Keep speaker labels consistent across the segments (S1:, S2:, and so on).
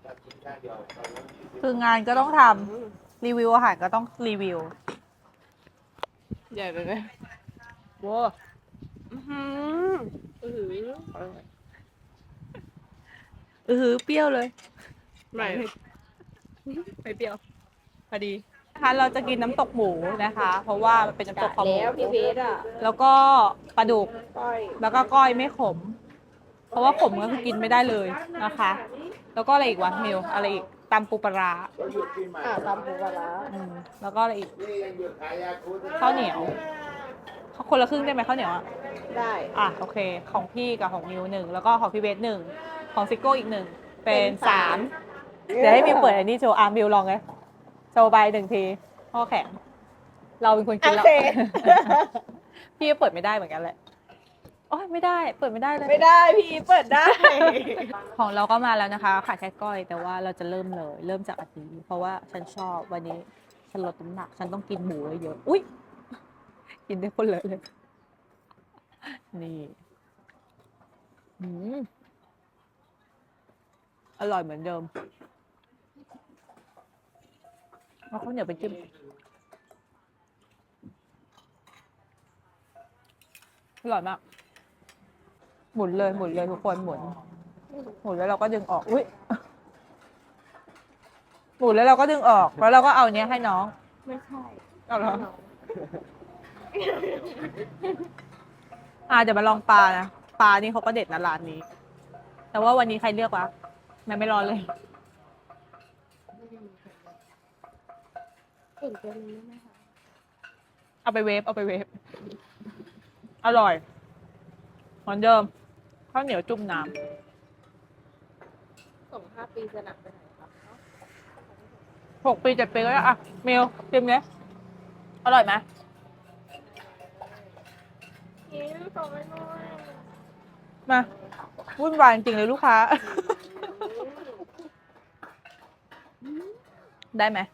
S1: คืองานก็ต้องทำรีวิวอาหารก็ต้องรีวิว
S2: ใหญ่ไปไหมว้าอือหืออือหือ
S1: เปรี้ยวเลย
S2: ไม่
S1: ไม่เปรี้ยวพอดีนะคะเราจะกินน้ำตกหมูนะคะ เพราะว่ามันเป็นน้ำตกคอหมู
S2: แล้วพี่เบสอ่ะ
S1: แล้วก็ปลาดุก
S2: ก้อย
S1: แล้วก็ก้อยไม่ขม เพราะว่าขมก็คือกินไม่ได้เลยนะคะ แล้วก็อะไรอีกวะมิวอะไรอีกตำปูปลาร้า
S2: ตำปูปลาร้า
S1: แล้วก็อะไรอีกข้าวเหนียวคนละครึ่งได้ไหมข้าวเหนียวอ่ะ
S2: ได้
S1: โอเค ของพี่กับของมิวหนึ่งแล้วก็ของพี่เบสหนึ่งของซิโก้อีกหนึ่งเป็นสามเดี๋ยวให้มิวเปิดอันนี้โชว์มิวลองเลยโชว์ใบหนึ่งทีข้อแข็งเราเป็นคนกินแล้ว
S2: โอเค
S1: พี่ก็เปิดไม่ได้เหมือนกันแหละโอ้ยไม่ได้เปิดไม่ได้เลย
S2: ไม่ได้พี่เปิดได้
S1: ของเราก็มาแล้วนะคะขาดแค่ก้อยแต่ว่าเราจะเริ่มเลยเริ่มจากอันนี้เพราะว่าฉันชอบวันนี้ฉันลดน้ำหนักฉันต้องกินหมูเยอะๆอุ้ยกินได้คนเลยนี่อร่อยเหมือนเดิมเอาข้าวเหนียวไปจิ้มอร่อยมากหมุนเลยทุกคนหมุนแล้วเราก็ดึงออกอุ้ยหมุนแล้วเราก็ดึงออกแล้วเราก็เอาเนี้ยให้น้อง
S2: ไม่ใช่
S1: เอาเหรอเดี๋ยวมาลองปลานะปลานี่เขาก็เด็ดนะร้านนี้ แต่ว่าวันนี้ใครเลือกวะมันไม่ร้อนเลย
S2: เก่งเกินเลยนะคะ
S1: เอาไปเวฟอร่อยเหมือนเดิมข้าวเหนียวจุ่มน้
S2: ส่ง5 ปีจะหนักไปไหนครับ
S1: ำ6 ปี 7 ปีก็ได้อะเมลชิมเลยอร่อยไหม
S2: กินส่งไปหน่อย
S1: มาวุ่นวายจริงเลยลูกค้า ได้ไหม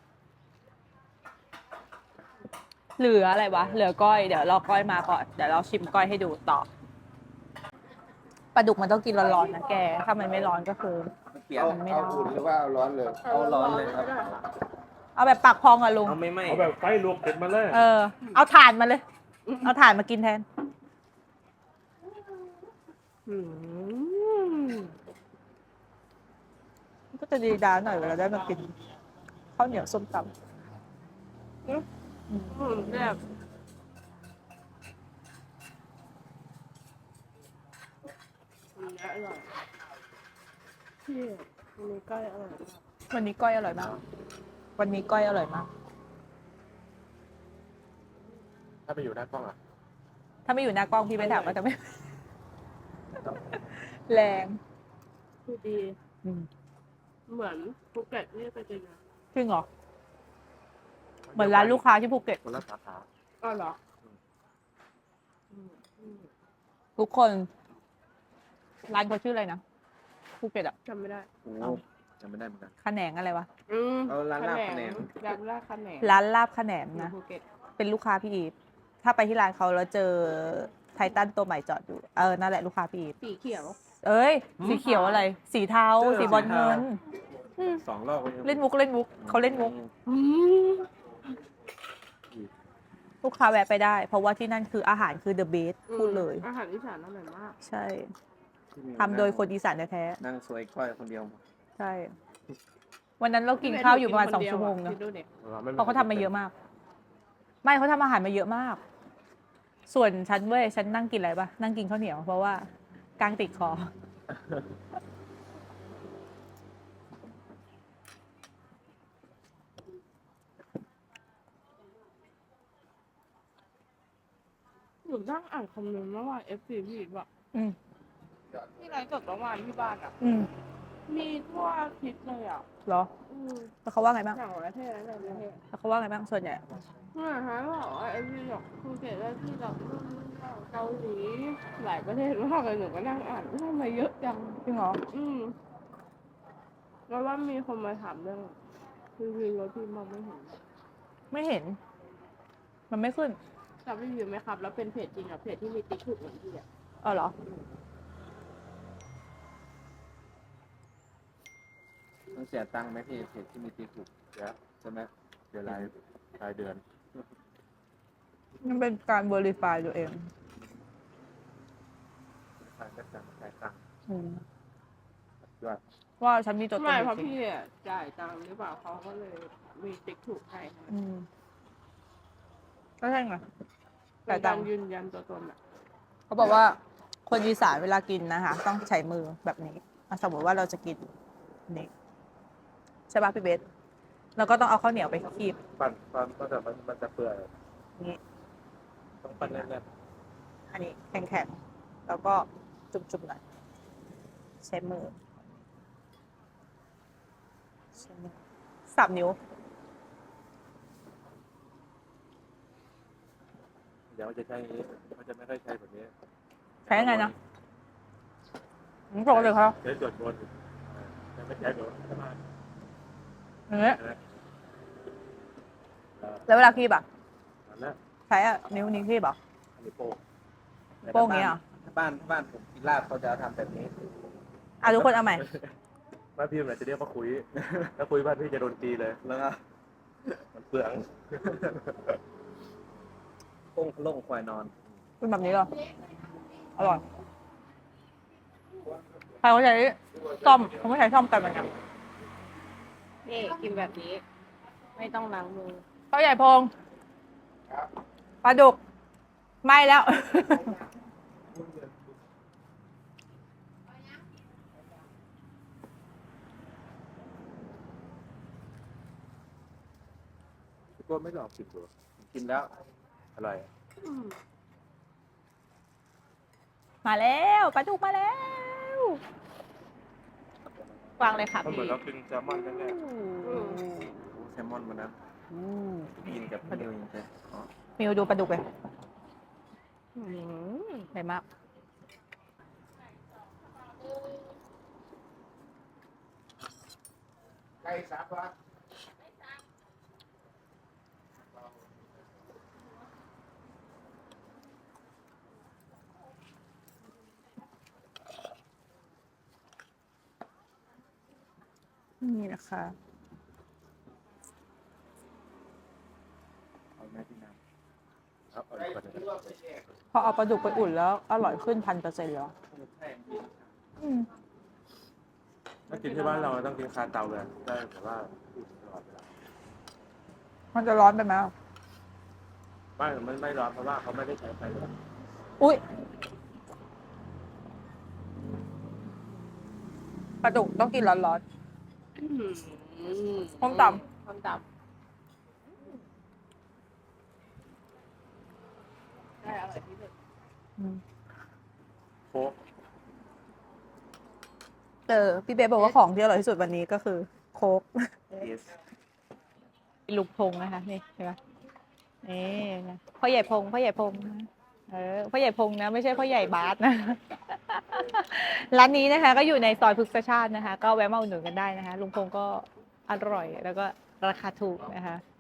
S1: เหลืออะไรวะเหลือก้อยเดี๋ยวรอก้อยมาก่อนเดี๋ยวเราชิมก้อยให้ดูต่อปลาดุกมันต้องกินร้อนๆนะแกถ้ามันไม่ร้อนก็คือ
S3: เอาอุ่นหรือว่าเอาร้อนเลย
S4: เอาร้อนเลยครับ
S1: เอาแบบปากพองอะลุง
S4: เอาไม่ไหม
S3: เอาแบบไฟลวกเด็ดมาเลย
S1: เอาถ่านมาเลย เอาถ่านมากินแทน
S2: อืม
S1: ก็จะดีดาหน่อยเวลาได้มากินข้าวเหนียวส้มตำ
S2: แบบอร่อยพี่วันนี้ก้อยอร่อยมาก
S1: วันนี้ก้อยอร่อยมาก วันนี้ก้อยอร่อยมาก
S3: ถ้าไปอยู่หน้ากล้องอ่ะ
S1: ถ้าไม่อยู่หน้ากล้องพี่ไม่ถามว่าจะไม่ แรง
S2: คือดี เหมือนภูเก็ตนี่ไปจริงนะ
S1: จริงเหรอ เหมือนร้านลูกค้าที่ภูเก็ต
S3: คนละสาขา
S2: อ๋อเหรอ
S1: ทุกคน ร้านเขาชื่ออะไรนะภูเก็ตอะ
S2: จำไม่ได้
S3: โอ้จำไม่ได้เหมือนกัน
S1: ขะแหนงอะไรวะ
S4: เอาร้านลาบคะแนน
S2: ร้านลาบคะแนน
S1: ร้านลาบขะแหนง
S2: อยู่
S1: นะ
S2: ภูเก็ต
S1: เป็นลูกค้าพี่อีฟถ้าไปที่ร้านเขาแล้วเจอไททันตัวใหม่จอดอยู่ นั่นแหละลูกค้าพี่อีฟ
S2: สีเขียว
S1: เอ้ย สีเขียวอะไร สีเทา สีบอลเงิน
S3: 2 รอบก็ยัง
S1: เล่นมุกเขาเล่นมุก
S2: อืม
S1: ลูกค้าแวะไปได้ เพราะว่าที่นั่นคืออาหารคือ the best พูดเลย
S2: อาหารอีสานอร่อยมาก
S1: ใช่ทำโดยคนอีสานแท้
S4: นั่งสวยก้อยคนเดียว
S1: ๆใช่ วันนั้นเรากินข้าวอยู่ประมาณ2 ชั่วโมงนะ
S2: คิดดูดิ
S1: เพราะเขาทำมาเยอะมาก ไม่เขาทำอาหารมาเยอะมาก ส่วนฉันเว้ยฉันนั่งกินอะไรปะนั่งกินข้าวเหนียวเพราะว่ากางติดคอ
S2: หนูนั่งอ่านคอมเมนต์เมื่อวาน FC พี่อีกว่า
S1: อืม
S2: ที่ไลฟ์สดเมื่อวานที่บ้านอ่ะ
S1: อืม
S2: มีทั่วอาทิตย์เลยอ่ะ
S1: เหรอ
S2: อืม
S1: แล้วเขาว่าไงบ้าง
S2: ต่างประเทศแล้วต่างประเทศ
S1: แล้วเขาว่าไงบ้างส่วนใหญ่
S2: เนี่ยฮะบอกว่าไอ้พี่บอกภูเก็ตแล้วที่เราเกาหลีหลายประเทศมากเลยหนูก็นั่งอ่านทำไมเยอะจัง
S1: จริงเหรอ
S2: แล้วว่ามีคนมาถามเรื่องรีวิวรถพี่มองไม่เห็น
S1: ไม่เห็น มันไม่ขึ้น
S2: รับรีวิวไหมครับ แล้วเป็นเพจจริงอ่ะเพจที่มีติ๊กถูกเหมือนพี่อ่ะ
S1: เหรอ
S4: ต้องเสียตังค์ไหมพี่เพจที่มีตีถูก
S3: เดี๋ยว
S4: ใช่ไหม
S3: เดี๋ยวรายเดือน
S1: มันเป็นการ verify ตัวเอง
S3: รายก็จะจ่ายตังค์
S1: อืม
S3: ยอด
S1: ว่าฉันมีตัวตน
S2: ไม่
S1: จ
S2: เพราะ
S1: ริง
S2: พี่อะจ่ายตังค์หรือเปล่าเขาก็เลยมีติ๊กถูกให้
S1: ๆอืมก็ใช่ไง
S2: แต่
S1: จ่ายตั
S2: ตั
S1: ง
S2: ง
S1: ค์
S2: ยืนยันตัวตนอะ
S1: เขาบอกว่าคนอีสานเวลากินนะคะ ต้องใช้มือแบบนี้สมมติว่าเราจะกินนี่ใช่ป่ะพี่เบสแล้วก็ต้องเอาข้าวเหนียวไปคีบ
S3: ปั่นก็แต่มันจะเปื่อย
S1: นี่
S3: ต้องปั่นแน่น
S1: อันนี้แข็งๆแล้วก็จุ่มๆหน่อยใช้มือใช้มือสับนิ้ว
S3: ๆเดี๋ยวจะใช้มันจะไม่ค่อยใช้แบบนี้
S1: ใช้ยังไงนะปกติเขา
S3: ใช้จดบนจะไม่ใช้แบบสมาธิ
S1: อย่างเงี้ย
S3: นะ
S1: แล้วเวลาคีบอ่ะ
S3: นั่นแหละ
S1: ใช้นิ้วนี้คีบเหรอ
S3: อันนี้โป้ง
S1: โป้งอย่างงี้เหรอ
S4: ถ้าบ้านผมกินลาบเขาจะทำแบบนี้
S1: อ่ะทุกคนเอาใหม่
S3: บ้านพี่มันจะเรียกว่าคุยถ้าคุยบ้านพี่จะโดนตีเลย
S4: แล้วก็
S3: มันเปลือง
S4: โป้งโล่งควายนอน
S1: เป็นแบบนี้เหรออร่อยใครเขาใช้ซ่อมเขาไม่ใช้ซ่อมกันเหมือนกัน
S2: นี่กินแบบนี้ ไม่ต้องล้างมือ
S1: ข้าวใหญ่พงปลาดุกไม่แล้ว
S3: ก็ไม่หลอกผิดตัว
S4: กินแล้ว
S3: อร่อย
S1: มาแล้วปลาดุกมาแล้ววางเลยค่ะ
S3: มันเหมื
S1: พี่
S3: อนเรากินแซลมอนแน่
S4: แซลมอนมันนะกินกับพี่นิวยังไงอ๋อ
S1: มิวดูปลาดุกเลย
S2: อืม
S1: ใหญ่มาก
S3: ใกล้ซับวะ
S1: นี่นะคะ
S3: เอาแม่ที่น้ำครับเอาอีกคนหนึ่ง
S1: พอเอาปลาดุกไปอุ่นแล้วอร่อยขึ้น1,000%แล้วอืม
S3: ถ้ากินที่บ้านเราต้องกินคาเตาเลยได้แต่ว่าอุ่นตลอดเวลา
S1: มันจะร้อนไปไหม
S3: บ้านมันไม่ร้อนเพราะว่าเขาไม่ได้ใช้ไฟเลย
S1: อุ้ยปลาดุกต้องกินร้อน ส้มตำ
S2: ส้มตำได้อร่อยที่สุด
S1: ๆอืม
S3: โค้ก
S1: พี่เบสบอกว่าของที่อร่อยที่สุดวันนี้ก็คือโค้ก
S4: yes
S1: ลูกพงนะคะนี่ใช่ไหมนี่นะพ่อใหญ่พงพ่อใหญ่พงนะพ่อใหญ่พงนะไม่ใช่พ่อใหญ่บาสนะ ร้านนี้นะคะ ก็อยู่ในซอยพฤกษชาตินะคะ ก็แวะมาอุดหนุนกันได้นะคะ ลุงพงก็อร่อยแล้วก็ราคาถูกนะคะ